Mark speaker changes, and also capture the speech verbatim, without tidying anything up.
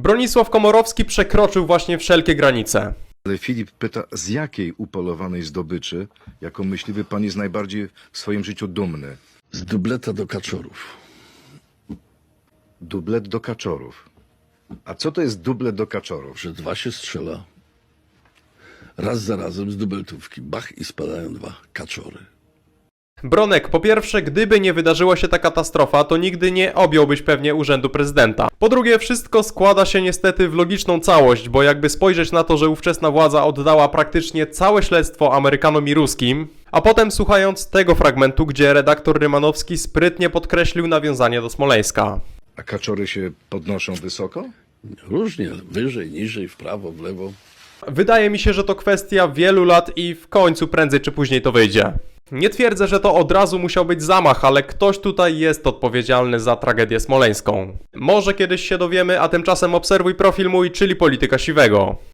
Speaker 1: Bronisław Komorowski przekroczył właśnie wszelkie granice.
Speaker 2: Ale Filip pyta, z jakiej upolowanej zdobyczy, jako myśliwy, pan jest najbardziej w swoim życiu dumny?
Speaker 3: Z dubleta do kaczorów.
Speaker 2: Dublet do kaczorów. A co to jest dublet do kaczorów?
Speaker 3: Że dwa się strzela. Raz za razem z dubeltówki. Bach i spadają dwa kaczory.
Speaker 1: Bronek, po pierwsze, gdyby nie wydarzyła się ta katastrofa, to nigdy nie objąłbyś pewnie urzędu prezydenta. Po drugie, wszystko składa się niestety w logiczną całość, bo jakby spojrzeć na to, że ówczesna władza oddała praktycznie całe śledztwo Amerykanom i ruskim, a potem słuchając tego fragmentu, gdzie redaktor Rymanowski sprytnie podkreślił nawiązanie do Smoleńska.
Speaker 2: A kaczory się podnoszą wysoko?
Speaker 3: Różnie, wyżej, niżej, w prawo, w lewo.
Speaker 1: Wydaje mi się, że to kwestia wielu lat i w końcu prędzej czy później to wyjdzie. Nie twierdzę, że to od razu musiał być zamach, ale ktoś tutaj jest odpowiedzialny za tragedię smoleńską. Może kiedyś się dowiemy, a tymczasem obserwuj profil mój, czyli Polityka Siwego.